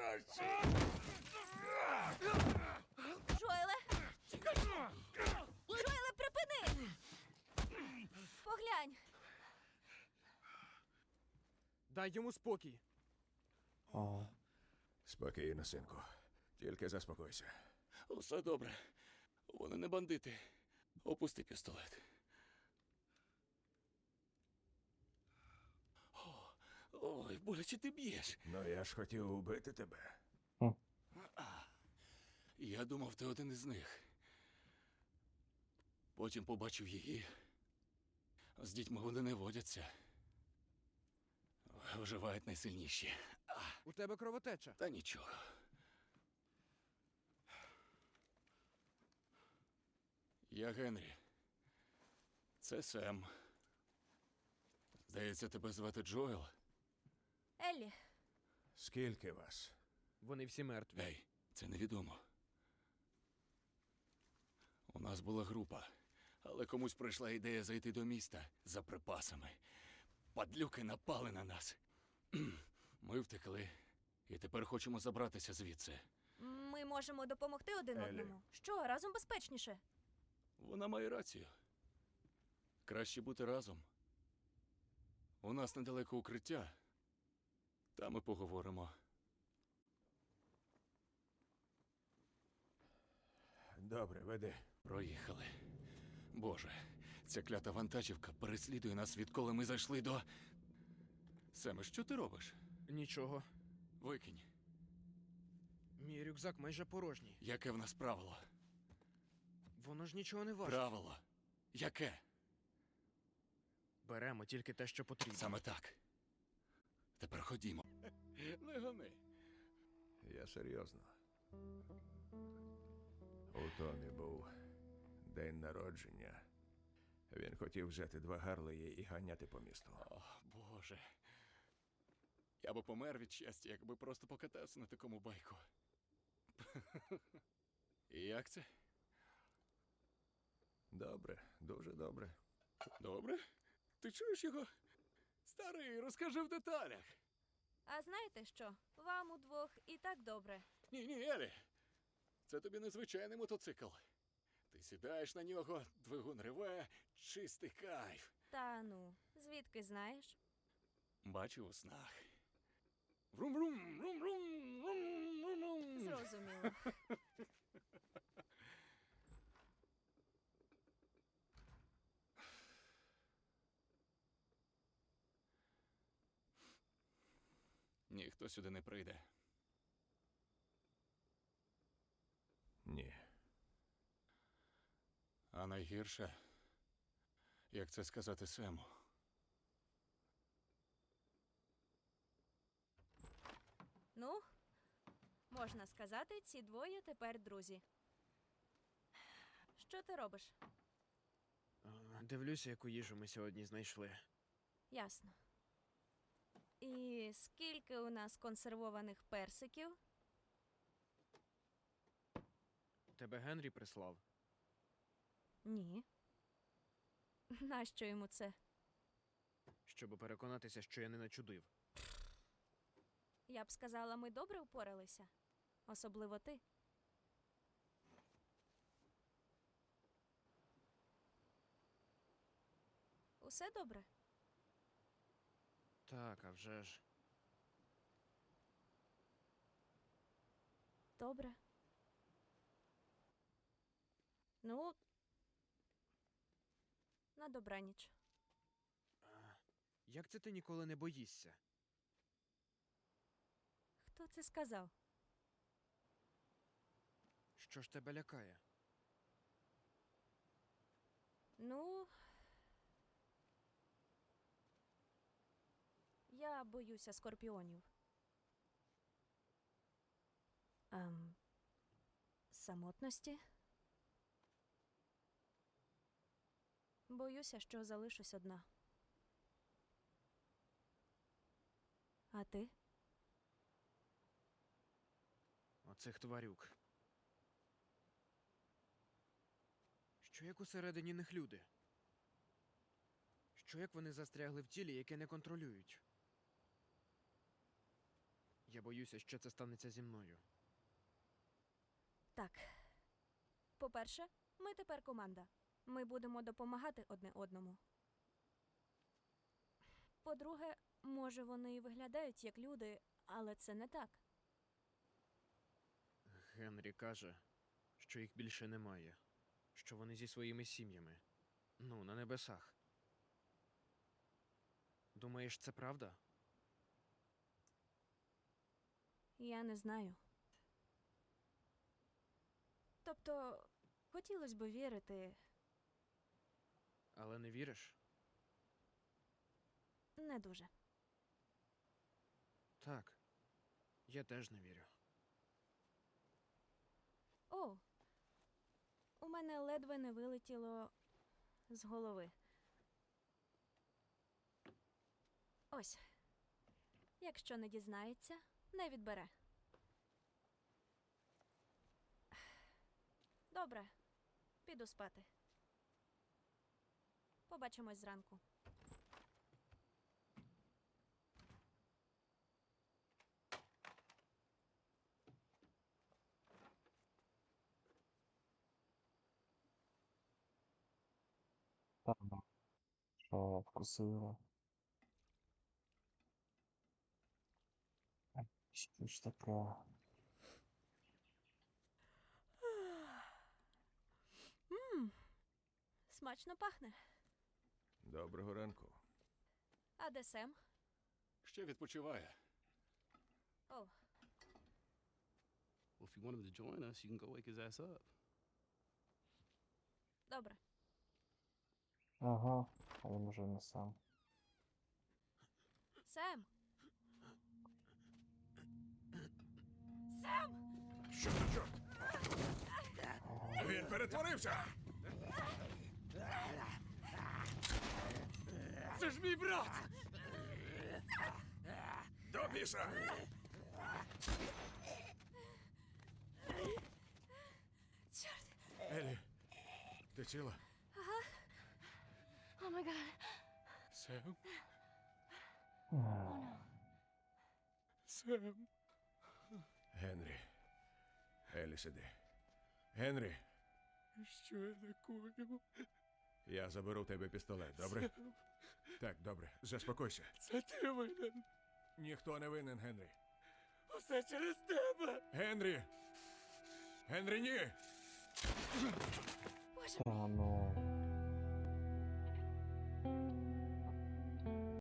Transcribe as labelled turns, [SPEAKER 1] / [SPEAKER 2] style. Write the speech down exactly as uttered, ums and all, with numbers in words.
[SPEAKER 1] Джоеле! Джоеле, припини! Поглянь!
[SPEAKER 2] Дай йому спокій.
[SPEAKER 3] О,
[SPEAKER 4] Спокійно, синку. Тільки заспокойся.
[SPEAKER 5] Усе добре. Вони не бандити. Опусти пістолет. О, ой, боляче ти б'єш.
[SPEAKER 4] Ну я ж хотів убити тебе.
[SPEAKER 5] Я думав, ти один із них. Потім побачив її. З дітьми вони не водяться. Виживають найсильніші.
[SPEAKER 2] У тебе кровотеча.
[SPEAKER 5] Та нічого. Я Генрі. Це Сем. Здається, тебе звати Джоел?
[SPEAKER 1] Еллі,
[SPEAKER 4] Скільки вас?
[SPEAKER 2] Вони всі мертві.
[SPEAKER 5] Ей, це невідомо. У нас була група, але комусь прийшла ідея зайти до міста за припасами. Падлюки напали на нас. Ми втекли, і тепер хочемо забратися звідси.
[SPEAKER 1] ми можемо допомогти один
[SPEAKER 4] Еллі.
[SPEAKER 1] одному. Що, разом безпечніше?
[SPEAKER 5] Вона має рацію. Краще бути разом. У нас недалеко укриття. Там ми поговоримо.
[SPEAKER 4] Добре, веди.
[SPEAKER 5] Проїхали. Боже, ця клята вантажівка переслідує нас, відколи ми зайшли до... Семе, що ти робиш?
[SPEAKER 2] Нічого.
[SPEAKER 5] Викинь.
[SPEAKER 2] Мій рюкзак майже порожній.
[SPEAKER 5] Яке в нас правило?
[SPEAKER 2] Воно ж нічого не важить.
[SPEAKER 5] Правило. Яке?
[SPEAKER 2] Беремо тільки те, що потрібно.
[SPEAKER 5] Саме так. Тепер ходімо. Не гони.
[SPEAKER 4] Я серйозно. У Томі був день народження. Він хотів взяти два Гарлеї і ганяти по місту.
[SPEAKER 5] О, Боже. Я би помер від щастя, якби просто покатався на такому байку. І як це?
[SPEAKER 4] Добре, дуже добре.
[SPEAKER 5] Добре? Ти чуєш його? Старий, розкажи в деталях.
[SPEAKER 1] А знаєте що? Вам удвох і так добре.
[SPEAKER 5] Ні, ні, Елі. Це тобі незвичайний мотоцикл. Ти сідаєш на нього, двигун реве, чистий кайф.
[SPEAKER 1] Та ну, звідки знаєш?
[SPEAKER 5] Бачу у снах. Врум-врум, врум-врум, врум-врум.
[SPEAKER 1] Зрозуміло.
[SPEAKER 5] Ніхто сюди не прийде.
[SPEAKER 4] Ні.
[SPEAKER 5] А найгірше, як це сказати Сему.
[SPEAKER 1] Ну, можна сказати, ці двоє тепер друзі. Що ти робиш?
[SPEAKER 2] А, Дивлюся, яку їжу ми сьогодні знайшли.
[SPEAKER 1] Ясно. І скільки у нас консервованих персиків?
[SPEAKER 2] Тебе Генрі прислав?
[SPEAKER 1] Ні. Нащо йому це?
[SPEAKER 2] Щоб переконатися, що я не начудив.
[SPEAKER 1] Я б сказала, ми добре впоралися. Особливо ти. Усе добре?
[SPEAKER 2] Так, а вже ж.
[SPEAKER 1] Добре. Ну, на добраніч.
[SPEAKER 2] Як це ти ніколи не боїшся?
[SPEAKER 1] Хто це сказав?
[SPEAKER 2] Що ж тебе лякає?
[SPEAKER 1] Ну, я боюся скорпіонів. Ем, самотності. Боюся, що залишусь одна. А ти?
[SPEAKER 2] Оцих тварюк. Що як усередині них люди? Що як вони застрягли в тілі, яке не контролюють? Я боюся, що це станеться зі мною.
[SPEAKER 1] Так. По-перше, ми тепер команда. Ми будемо допомагати одне одному. По-друге, може, вони і виглядають як люди, але це не так.
[SPEAKER 2] Генрі каже, що їх більше немає, що вони зі своїми сім'ями. Ну, на небесах. Думаєш, це правда?
[SPEAKER 1] Я не знаю. Тобто, хотілося б вірити,
[SPEAKER 2] Але не віриш?
[SPEAKER 1] не дуже.
[SPEAKER 2] Так. Я теж не вірю.
[SPEAKER 1] О, у мене ледве не вилетіло з голови. Ось. Якщо не дізнається, не відбере. Добре, піду спати. Побачимось зранку.
[SPEAKER 3] Та ну, що вкусило. Ай, що ж таке?
[SPEAKER 1] Мм, смачно пахне.
[SPEAKER 4] Доброго ранку.
[SPEAKER 1] А де Сем?
[SPEAKER 5] Ще відпочиває.
[SPEAKER 1] О,
[SPEAKER 6] Well, if you want him to join us, you can go wake his ass up.
[SPEAKER 1] добре.
[SPEAKER 3] Ага, а він уже не сам.
[SPEAKER 1] Сем! Сем!
[SPEAKER 4] Що за чорт? Він перетворився!
[SPEAKER 5] Це ж мій брат!
[SPEAKER 4] До біса!
[SPEAKER 1] Чорт!
[SPEAKER 4] Елі, ти ціла?
[SPEAKER 1] О май гад!
[SPEAKER 5] Сем?
[SPEAKER 3] Ах,
[SPEAKER 5] Сем?
[SPEAKER 4] Генрі. Елі, сиди. Генрі,
[SPEAKER 5] Що я накоїв?
[SPEAKER 4] я заберу в тебе пістолет, добре? Так, добре, заспокойся.
[SPEAKER 5] Це ти винен.
[SPEAKER 4] Ніхто не винен, Генрі.
[SPEAKER 5] Усе через тебе.
[SPEAKER 4] Генрі! Генрі, ні!
[SPEAKER 1] Боже,
[SPEAKER 3] Та ну.